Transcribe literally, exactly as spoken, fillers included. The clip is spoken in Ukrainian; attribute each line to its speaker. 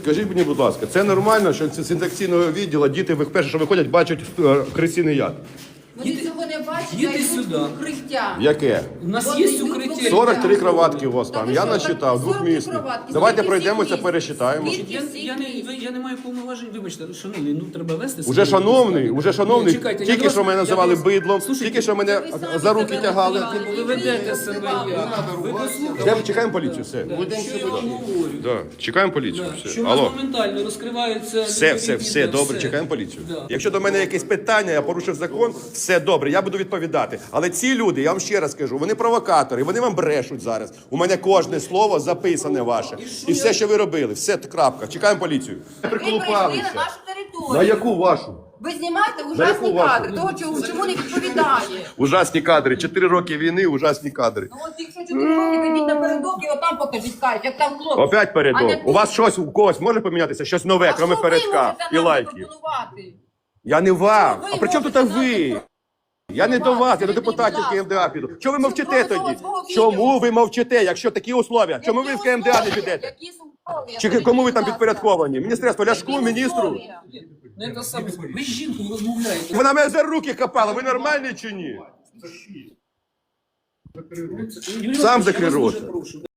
Speaker 1: Скажіть мені, будь ласка, це нормально, що з інфекційного відділу діти перше, що виходять, бачать е, крисиний яд?
Speaker 2: Вони цього не бачать,
Speaker 3: їдьте
Speaker 2: а йдуть
Speaker 3: сюди.
Speaker 2: в укриття.
Speaker 1: Яке?
Speaker 3: У нас
Speaker 2: От
Speaker 3: є
Speaker 2: йдуть в
Speaker 3: укриття.
Speaker 1: сорок три кроватки у вас
Speaker 2: Та
Speaker 1: там.
Speaker 2: ви
Speaker 1: Я
Speaker 2: що,
Speaker 1: насчитав,
Speaker 2: так, сорок три
Speaker 1: двохмісні.
Speaker 2: кроватки.
Speaker 1: Давайте
Speaker 2: Скільки
Speaker 1: пройдемося,
Speaker 2: всіх місць?
Speaker 1: пересчитаємо.
Speaker 2: Скільки?
Speaker 3: Я,
Speaker 2: всіх
Speaker 3: я, не,
Speaker 2: місць?
Speaker 3: ви- я не маю повноважень, вибачте, шановний, ну треба вести.
Speaker 1: Уже
Speaker 3: себе.
Speaker 1: шановний, уже шановний,
Speaker 3: Ні, чекайте, я
Speaker 1: тільки
Speaker 3: до
Speaker 1: що
Speaker 3: вас-
Speaker 1: мене
Speaker 3: я
Speaker 1: називали
Speaker 3: до вас-
Speaker 1: бидлом,
Speaker 3: Слушайте,
Speaker 1: тільки що мене
Speaker 2: ви самі
Speaker 1: за руки
Speaker 2: себе
Speaker 1: тягали.
Speaker 2: називали.
Speaker 3: Ви ведете себе як? Ви дослухайте.
Speaker 1: Йдемо, чекаємо поліцію, все.
Speaker 3: Що я вам говорю?
Speaker 1: Да. Чекаємо поліцію,
Speaker 3: Що
Speaker 1: все.
Speaker 3: в нас
Speaker 1: Алло.
Speaker 3: моментально розкриваються...
Speaker 1: Все, все,
Speaker 3: відповідні,
Speaker 1: все,
Speaker 3: да,
Speaker 1: добре,
Speaker 3: все.
Speaker 1: чекаємо поліцію.
Speaker 3: Да.
Speaker 1: Якщо до мене якесь питання, я порушив закон, все добре, я буду відповідати. Але ці люди, я вам ще раз кажу, вони провокатори, вони вам брешуть зараз. У мене кожне слово записане ваше. І все, що ви робили, все, крапка. Чекаємо поліцію.
Speaker 2: Ви прийшли на нашу територію.
Speaker 1: На яку вашу?
Speaker 2: Ви знімаєте
Speaker 1: яку
Speaker 2: ужасні
Speaker 1: вашу?
Speaker 2: кадри, того, чому, чому не відповідає.
Speaker 1: Ужасні кадри. Чотири роки війни, ужасні кадри.
Speaker 2: Ну от якщо чотири роки, підіть напередок і отам покажіть кайф, як там хлопці.
Speaker 1: Опять
Speaker 2: А
Speaker 1: передок.
Speaker 2: не
Speaker 1: У вас щось, у когось може помінятися? Щось нове,
Speaker 2: А
Speaker 1: крім
Speaker 2: що ви
Speaker 1: передка
Speaker 2: можете
Speaker 1: і
Speaker 2: нам
Speaker 1: лайків.
Speaker 2: запропонувати?
Speaker 1: Я не вам.
Speaker 2: ви
Speaker 1: А при чому тут
Speaker 2: можете нам
Speaker 1: ви? Я не до вас, я до депутатів КМДА піду. Чому ви мовчите
Speaker 2: Що ви
Speaker 1: тоді?
Speaker 2: свого відео?
Speaker 1: Чому ви мовчите, якщо такі условия? Чому ви в КМДА не підете?
Speaker 2: Які условия?
Speaker 1: Чи кому ви там підпорядковані? Міністерство Ляшку,
Speaker 2: Які
Speaker 1: міністру?
Speaker 2: условия?
Speaker 3: Не те саме. Ви з жінкою розмовляєте.
Speaker 1: Вона мене за руки копала, ви нормальні чи ні?
Speaker 3: Юрій
Speaker 1: Сам
Speaker 3: Іванович, я
Speaker 1: закрий
Speaker 3: вас
Speaker 1: рот.
Speaker 3: дуже прошу.